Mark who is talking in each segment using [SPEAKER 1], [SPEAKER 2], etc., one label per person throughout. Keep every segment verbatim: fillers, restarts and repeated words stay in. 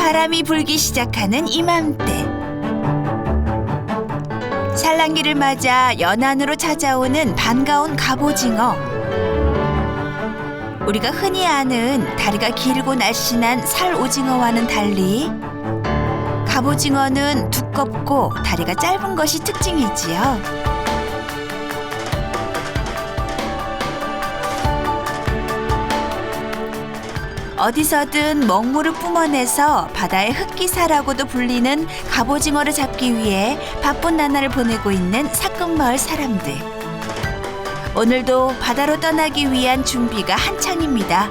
[SPEAKER 1] 바람이 불기 시작하는 이맘때 산란기를 맞아 연안으로 찾아오는 반가운 갑오징어. 우리가 흔히 아는 다리가 길고 날씬한 살오징어와는 달리 갑오징어는 두껍고 다리가 짧은 것이 특징이지요. 어디서든 먹물을 뿜어내서 바다의 흑기사라고도 불리는 갑오징어를 잡기 위해 바쁜 나날을 보내고 있는 사끝마을 사람들. 오늘도 바다로 떠나기 위한 준비가 한창입니다.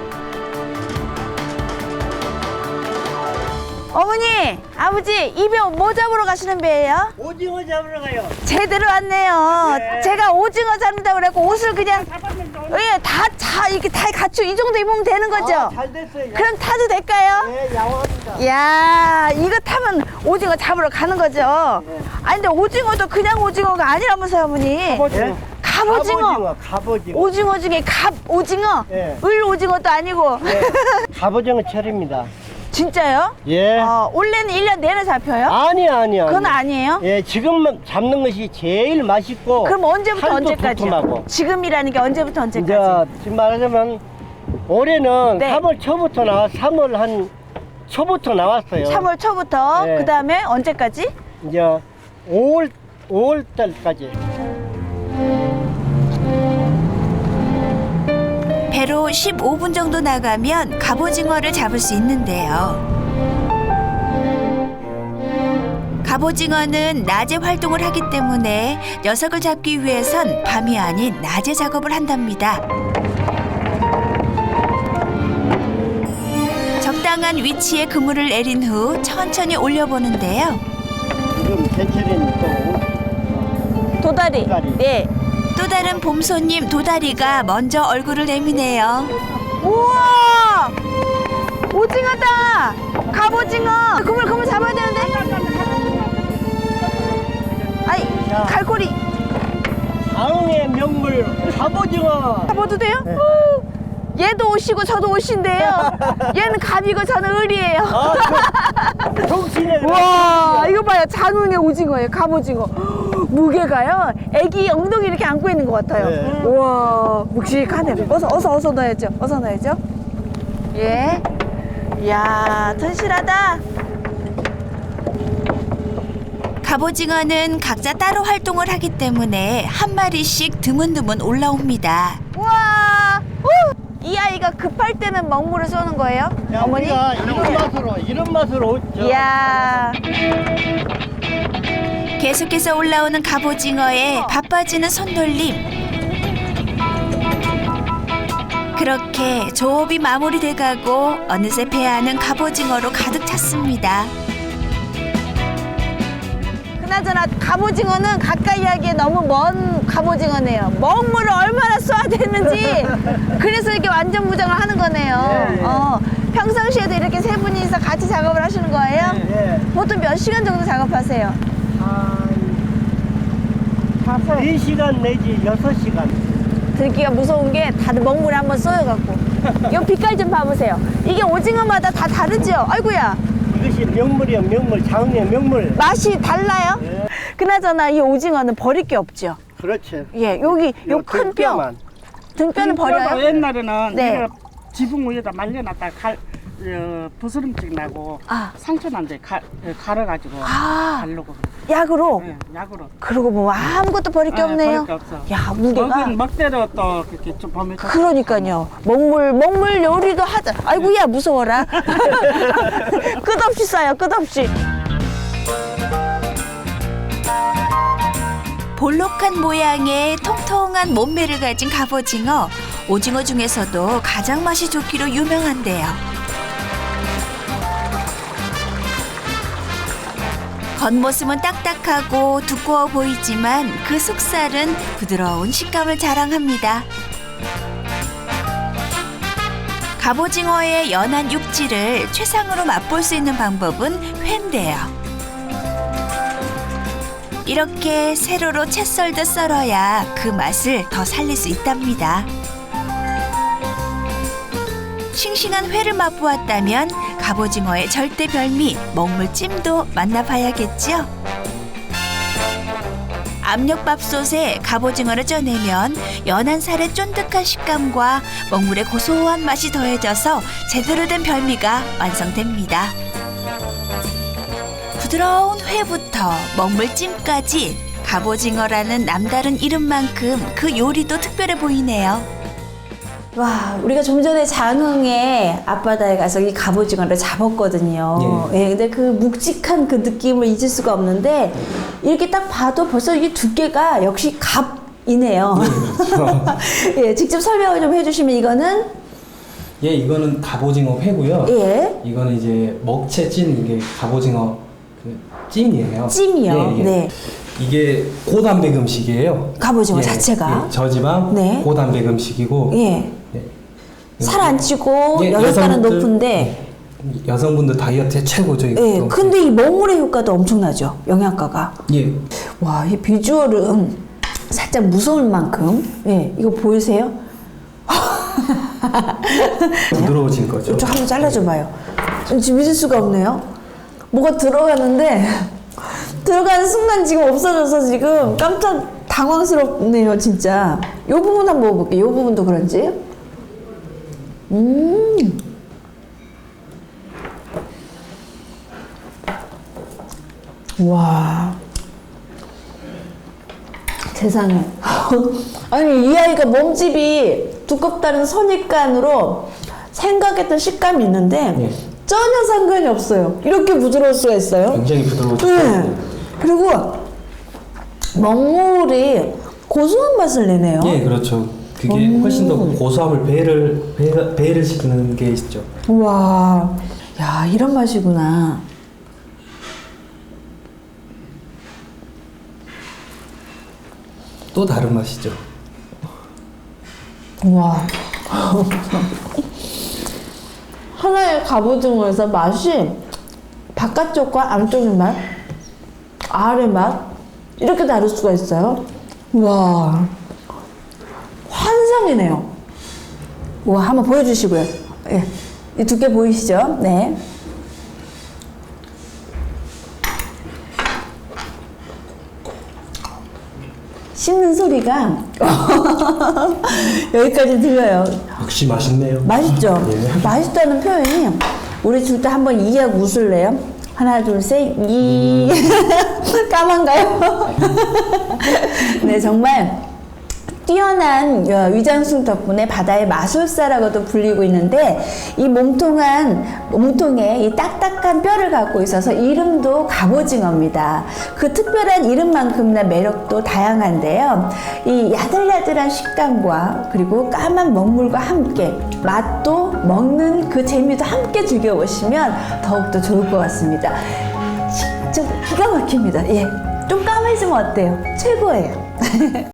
[SPEAKER 2] 어머니, 아버지, 이 배 뭐 잡으러 가시는 배예요?
[SPEAKER 3] 오징어 잡으러 가요.
[SPEAKER 2] 제대로 왔네요.
[SPEAKER 3] 네.
[SPEAKER 2] 제가 오징어 잡는다고 그랬고 옷을 그냥 예, 다, 다 이렇게 다 갖추 이 정도 입으면 되는 거죠?
[SPEAKER 3] 아, 잘 됐어요.
[SPEAKER 2] 그럼 타도 될까요?
[SPEAKER 3] 네, 양호합니다.
[SPEAKER 2] 이야, 이거 타면 오징어 잡으러 가는 거죠?
[SPEAKER 3] 네.
[SPEAKER 2] 아니 근데 오징어도 그냥 오징어가 아니라면서요, 어머니?
[SPEAKER 3] 갑오징어.
[SPEAKER 2] 갑오징어.
[SPEAKER 3] 갑오징어, 갑오징어.
[SPEAKER 2] 오징어 중에 갑오징어?
[SPEAKER 3] 네.
[SPEAKER 2] 을 오징어도 아니고.
[SPEAKER 3] 네. 갑오징어 철입니다.
[SPEAKER 2] 진짜요?
[SPEAKER 3] 예.
[SPEAKER 2] 어, 원래는 일 년 내내 잡혀요?
[SPEAKER 3] 아니, 아니, 아니.
[SPEAKER 2] 그건 아니에요?
[SPEAKER 3] 예, 지금 잡는 것이 제일 맛있고.
[SPEAKER 2] 그럼 언제부터
[SPEAKER 3] 살도
[SPEAKER 2] 언제까지요?
[SPEAKER 3] 두툼하고.
[SPEAKER 2] 지금이라는 게 언제부터 언제까지?
[SPEAKER 3] 이제 지금 말하자면 올해는
[SPEAKER 2] 네.
[SPEAKER 3] 삼월 초부터 나와 삼월 한 초부터 나왔어요.
[SPEAKER 2] 삼월 초부터
[SPEAKER 3] 네.
[SPEAKER 2] 그 다음에 언제까지?
[SPEAKER 3] 이제 오월 오월 달까지.
[SPEAKER 1] 배로 십오 분 정도 나가면 갑오징어를 잡을 수 있는데요. 갑오징어는 낮에 활동을 하기 때문에 녀석을 잡기 위해선 밤이 아닌 낮에 작업을 한답니다. 적당한 위치에 그물을 내린 후 천천히 올려보는데요.
[SPEAKER 3] 지금 제철인 또
[SPEAKER 2] 도다리.
[SPEAKER 3] 도다리.
[SPEAKER 2] 네.
[SPEAKER 1] 또 다른 봄 손님 도다리가 먼저 얼굴을 내미네요.
[SPEAKER 2] 우와! 오징어다! 갑오징어! 그물 그물 잡아야 되는데? 아이,
[SPEAKER 3] 자.
[SPEAKER 2] 갈고리
[SPEAKER 3] 상의 명물 갑오징어.
[SPEAKER 2] 잡아도 돼요?
[SPEAKER 3] 네.
[SPEAKER 2] 우! 얘도 옷이고 저도 옷인데요. 얘는 갑이고 저는 을이에요.
[SPEAKER 3] 아, 정신에.
[SPEAKER 2] 와, 이거 봐요. 장흥의 오징어예요. 갑오징어. 무게가요. 애기 엉덩이 이렇게 안고 있는 것 같아요.
[SPEAKER 3] 네.
[SPEAKER 2] 우와, 묵직하네. 어서, 어서, 어서 넣어야죠. 어서 넣어야죠. 예. 이야, 튼실하다.
[SPEAKER 1] 갑오징어는 각자 따로 활동을 하기 때문에 한 마리씩 드문드문 올라옵니다.
[SPEAKER 2] 우와. 우! 이 아이가 급할 때는 먹물을 쏘는 거예요?
[SPEAKER 3] 야,
[SPEAKER 2] 어머니?
[SPEAKER 3] 우리가 이런 맛으로 이런 맛으로 저,
[SPEAKER 2] 이야.
[SPEAKER 1] 계속해서 올라오는 갑오징어에 바빠지는 손놀림. 그렇게 조업이 마무리돼가고 어느새 배 안은 갑오징어로 가득 찼습니다.
[SPEAKER 2] 그나저나 갑오징어는 가까이 하기에 너무 먼 갑오징어네요. 먹물을 얼마나 쏴야 되는지 그래서 이렇게 완전 무장을 하는 거네요.
[SPEAKER 3] 예, 예.
[SPEAKER 2] 어, 평상시에도 이렇게 세 분이서 같이 작업을 하시는 거예요?
[SPEAKER 3] 예.
[SPEAKER 2] 보통 몇 시간 정도 작업하세요?
[SPEAKER 3] 한 네 시간 내지 여섯 시간.
[SPEAKER 2] 들기가 무서운 게 다들 먹물에 한번 쏘여갖고 이 빛깔 좀 봐보세요. 이게 오징어마다 다 다르죠? 아이고야,
[SPEAKER 3] 이것이 명물이야, 명물. 장의 명물.
[SPEAKER 2] 맛이 달라요?
[SPEAKER 3] 예.
[SPEAKER 2] 그나저나 이 오징어는 버릴 게 없죠?
[SPEAKER 3] 그렇지.
[SPEAKER 2] 예, 여기 요 큰 뼈
[SPEAKER 3] 뼈만.
[SPEAKER 2] 등뼈는 버려요?
[SPEAKER 4] 옛날에는
[SPEAKER 2] 네.
[SPEAKER 4] 이거 지붕 위에다 말려놨다 갈, 어, 부스럼증 나고
[SPEAKER 2] 아.
[SPEAKER 4] 상처 난데 가, 어, 갈아가지고
[SPEAKER 2] 아.
[SPEAKER 4] 바르고
[SPEAKER 2] 약으로?
[SPEAKER 4] 예, 약으로.
[SPEAKER 2] 그러고 보면 아무것도 버릴 게
[SPEAKER 4] 예,
[SPEAKER 2] 없네요.
[SPEAKER 4] 버릴 게 없어.
[SPEAKER 2] 야, 무게가.
[SPEAKER 4] 먹은 먹대로 또 그렇게 좀 보면 좀-
[SPEAKER 2] 그러니까요. 먹물, 먹물 요리도 하자. 아이고야, 무서워라. 끝없이 싸요, 끝없이.
[SPEAKER 1] 볼록한 모양의 통통한 몸매를 가진 갑오징어. 오징어 중에서도 가장 맛이 좋기로 유명한데요. 겉모습은 딱딱하고 두꺼워 보이지만 그 속살은 부드러운 식감을 자랑합니다. 갑오징어의 연한 육질을 최상으로 맛볼 수 있는 방법은 회인데요. 이렇게 세로로 채 썰듯 썰어야 그 맛을 더 살릴 수 있답니다. 싱싱한 회를 맛보았다면 갑오징어의 절대 별미 먹물찜도 만나봐야겠지요. 압력밥솥에 갑오징어를 쪄내면 연한 살의 쫀득한 식감과 먹물의 고소한 맛이 더해져서 제대로 된 별미가 완성됩니다. 부드러운 회부터 먹물찜까지 갑오징어라는 남다른 이름만큼 그 요리도 특별해 보이네요.
[SPEAKER 2] 와, 우리가 좀 전에 장흥의 앞바다에 가서 이 갑오징어를 잡았거든요. 예. 근데 그 묵직한 그 느낌을 잊을 수가 없는데 이렇게 딱 봐도 벌써 이 두께가 역시 갑이네요. 예, 직접 설명을 좀 해주시면 이거는
[SPEAKER 5] 예, 이거는 갑오징어 회고요.
[SPEAKER 2] 예.
[SPEAKER 5] 이거는 이제 먹채 찐 이게 갑오징어 그 찜이에요.
[SPEAKER 2] 찜이요.
[SPEAKER 5] 예, 예.
[SPEAKER 2] 네.
[SPEAKER 5] 이게 고단백 음식이에요.
[SPEAKER 2] 갑오징어
[SPEAKER 5] 예,
[SPEAKER 2] 자체가
[SPEAKER 5] 예, 저지방
[SPEAKER 2] 네.
[SPEAKER 5] 고단백 음식이고
[SPEAKER 2] 예.
[SPEAKER 5] 예.
[SPEAKER 2] 살 안 찌고
[SPEAKER 5] 예,
[SPEAKER 2] 열혈가는
[SPEAKER 5] 여성분들-
[SPEAKER 2] 높은데
[SPEAKER 5] 예, 여성분들 다이어트에 최고죠. 이거.
[SPEAKER 2] 예. 근데 이 먹물의 효과도 엄청나죠. 영양가가.
[SPEAKER 5] 예.
[SPEAKER 2] 와, 이 비주얼은 살짝 무서울 만큼. 예. 이거 보이세요?
[SPEAKER 5] 부드러워진 거죠.
[SPEAKER 2] 좀 한번 잘라줘 봐요. 지금 믿을 수가 없네요. 뭐가 들어가는데 들어가는 순간 지금 없어져서 지금 깜짝 당황스럽네요, 진짜. 이 부분 한번 먹어볼게요. 이 부분도 그런지. 음. 와. 세상에. 아니, 이 아이가 몸집이 두껍다는 선입관으로 생각했던 식감이 있는데
[SPEAKER 5] 예.
[SPEAKER 2] 전혀 상관이 없어요. 이렇게 부드러울 수가 있어요.
[SPEAKER 5] 굉장히 부드러워졌죠.
[SPEAKER 2] 네. 그리고 먹물이 고소한 맛을 내네요.
[SPEAKER 5] 예, 그렇죠. 그게 훨씬 더 고소함을 배를 배, 배를 시키는 게 있죠.
[SPEAKER 2] 우와. 야, 이런 맛이구나.
[SPEAKER 5] 또 다른 맛이죠.
[SPEAKER 2] 우와. 하나의 갑오징어에서 맛이 바깥쪽과 안쪽의 맛, 아래 맛 이렇게 다를 수가 있어요. 와, 환상이네요. 와, 한번 보여주시고요. 예, 이 두께 보이시죠? 네. 씹는 소리가 여기까지 들려요.
[SPEAKER 5] 역시 맛있네요.
[SPEAKER 2] 맛있죠?
[SPEAKER 5] 예.
[SPEAKER 2] 맛있다는 표현이 우리 둘 다 한번 이하고 웃을래요? 하나 둘셋 이. 까만가요? 네, 정말 뛰어난 위장술 덕분에 바다의 마술사라고도 불리고 있는데 이 몸통한 몸통에 이 딱딱한 뼈를 갖고 있어서 이름도 갑오징어입니다. 그 특별한 이름만큼이나 매력도 다양한데요. 이 야들야들한 식감과 그리고 까만 먹물과 함께 맛도 먹는 그 재미도 함께 즐겨보시면 더욱더 좋을 것 같습니다. 진짜 기가 막힙니다. 예, 좀 까매지면 어때요? 최고예요.